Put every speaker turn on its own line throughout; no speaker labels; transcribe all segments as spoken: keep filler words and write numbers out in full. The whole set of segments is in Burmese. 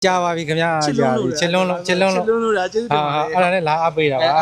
ကြာပါပြီခင်ဗျာကြာပြီချစ်လွန်းလို့ချစ်လွန်းလို့ချစ်လွန်းလို့ဒါကျေးဇူးတင်ပါတယ်အဲ့ဒါနဲ့လာအပ်ပေးတာပါ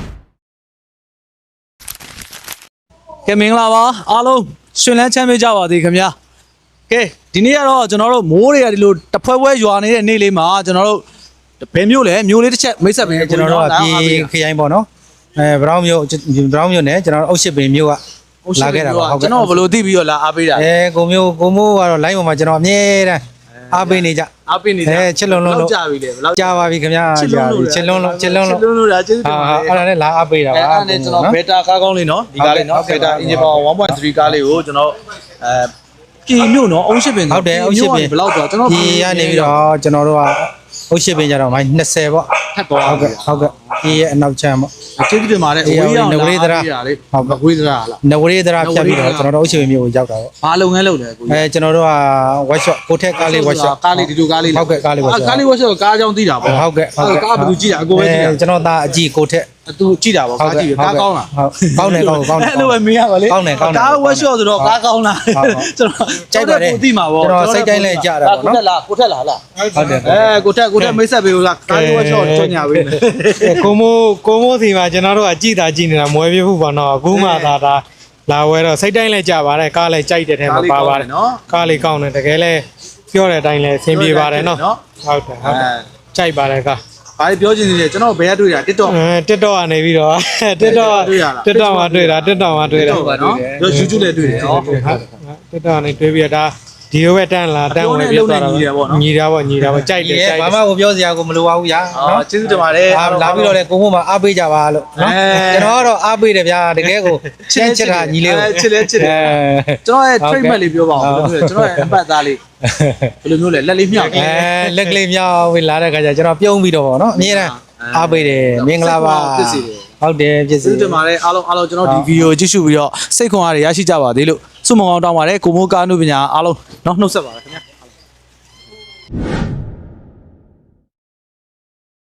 ကဲမင်္ဂလာပါအားလုံးရှင်လန်းချမ်းမြေ့ကြပါသည်ခင်ဗျာကဲဒီနေ့ကတော့ကျွန်တော်တို့မိုးတွေကဒီလိုတဖွဲဖွဲရွာနေတဲ့နေ့လေးမှာကျွန်တော်တို့ဘယ်မျိုးလဲမျိုးလေးတစ်ချက်မိတ်ဆက်ပေး
ကျွန်တော်တို့ကပြည်ခရိုင်ပေါ့နော်အဲဘရောင်းမျိုးဘရောင်းမျိုးနဲ့ကျွန်တော်တို့အုတ်ရှစ်ပင်မျိုးကလာခဲ့တာပါ
ဟုတ်ကဲ့ကျွန်တော်ဘယ်လိုသိပြီးတော့လာအားပေးတာ
အဲကိုမျိုးကိုမိုးကတော့ live ပေါ်မှာကျွန်တော်အမြဲတမ်းအားပေးနေကြ
အားပေးနေကြ
အဲချစ်လွန်းလွန်းလို့
ကြာပြီလေဘယ်လောက်
ကြာပါပြီခင်ဗျာကြာပြီချစ်လွန်းလို့ချစ်လွန်းလို့
ချစ်လွန်းလို့ဒါကျေးဇူးတင်ပါတယ်
အဲ့ဒါနဲ့လာအားပေးတာပါ
အဲ့ဒါနဲ့ကျွန်တော်ဘက်တာကားကောင်းလေးနော်ဒီကားလေးနော်ဘက်တာ engine power one point three ကားလေးကိုကျွန်တော်အဲပြည်မြို့နော်အုံးရှစ်ပင်
ဟုတ်တယ်အုံးရှစ်ပင်
ဘယ်လောက်တော့ကျွန်တော်
ဒီကနေပြီးတော့ကျွန်တော်တို့ကအုတ်ရှစ်ပင်ကြတော့မိုင်း၂၀ပေါ့
ထပ်သွား
ဟုတ်ကဲ့ဟုတ်ကဲ့ဒီရဲ့အနောက်ချမ်းပေါ့
ကျေးဇူးတင်ပါတယ်အဝေးရောက်
နဝေးသရာ
ဟုတ်နဝေးသရာလား
နဝေးသရာဖြတ်ပြီးတော့ကျွန်တော်တို့အုတ်ရှစ်ပင်မြို့ကိုရောက်တာပေါ့
ဘာလုပ်ငန်းလုပ်လဲကို
အဲကျွန်တော်တို့က workshop ကိုထက်ကားလေး workshop
ကားလေးဒီလိုကားလေး
ဟုတ်ကဲ့ကားလေး workshop
ကားလေး workshop ကားအကြောင်းသိတာပေါ့
ဟုတ်ကဲ့ဟုတ်ကဲ့
ကားဘယ်သူကြည့်တာအကိုပဲကြည့်တာ
ကျွန်တော်သားအကြည့်ကိုထက်
သူကြည့်တာပေါ့ကားကြည့်ကားကောင်းလား
ဟုတ်ကောင်းတယ်ကောင်းကောင်းတယ်
အဲ့လိုပဲမင်းရပါလေ
ကောင်းတယ်ကောင်းတယ်
ကား workshop ဆိုတော့ကားကောင်းလားကျွန်တော်
ကြိုက်ပါတယ်
ကိုသိမှာပေါ့
ကျွန်တော်စိတ်တိုင်းလဲကြတာပေါ့နော်
ကိုထက်လားကိုထက်လားလား
ဟုတ်တယ်
အဲကိုထက်ကိုထက်မိတ်ဆက်ပေးလို့လားကား workshop ကြော်ညာပေးမယ်
ကိုမိုးကိုမိုးစီမှာကျွန်တော်တို့ကကြည်တာကြည်နေတာမွဲပြဖို့ပေါ့နော်အခုမှသာဒါလာဝဲတော့စိတ်တိုင်းလဲကြပါတယ်ကားလဲကြိုက်တဲ့ထဲမှာပါပါတယ်ကားလေးကောင်းတယ်တကယ်လဲပြောတဲ့အတိုင်းလဲအဆင်ပြေပါတယ်နော်ဟုတ်တယ်ဟုတ်တယ်ကြိုက်ပါတယ်ကား
ဘာပြောချင်နေလဲကျွန်တော်ဘယ်ကတွေ့တာ TikTok
အဲ TikTok ကနေပြီးတော့ TikTok TikTok မှာတွေ့တာ TikTok မှာတွေ့တာ
နော်တို့ YouTube လည်းတွေ့တယ်နော်
ဟုတ် TikTok ကနေတွေ့ပြီးတော့ဒါဒီလိုပဲတန်းလာတန်းဝင်ပြီးတော့ညီတာပေါ့ညီတာပေါ့ကြိုက်တယ်ကြိုက်တယ်ဘာမှကိုပြောစရာကိုမလိုပါဘူးညာ
နော်ကျေးဇူးတင်ပါတယ်
လာပြီးတော့လေကိုမို့မှာအားပေးကြပါလို့နော်ကျွန်တော်ကတော့အားပေးတယ်ဗျာတကယ်ကိုချစ်ချစ်တာညီလေးကို
ချစ်လဲချစ်တယ်ကျွန်တော်ရဲ့ treatment လေးပြောပါဦးဘယ်လိုလဲကျွန်တော်ရဲ့အပတ်သားလေးဘယ်လိုမျိုးလဲလက်လေးမြောက်
အဲလက်ကလေးမြောက်ပြီးလာတဲ့ခါကျကျွန်တော်ပြုံးပြီးတော့ပေါ့နော်အမြဲတမ်းအားပေးတယ်မင်္ဂလာပါဟုတ်တယ်ပြည့်စုံ
တင်ပါတယ်အားလုံးအားလုံးကျွန်တော်ဒီဗီဒီယိုကြည့်ရှုပြီးတော့စိတ်ခွန်အားတွေရရှိကြပါသေးလို့ဆုမွန်ကောင်းတောင်းပါတယ်ကိုမိုးကားနုပညာအားလုံးเนาะနှုတ်ဆက်ပါရခင်ဗျာ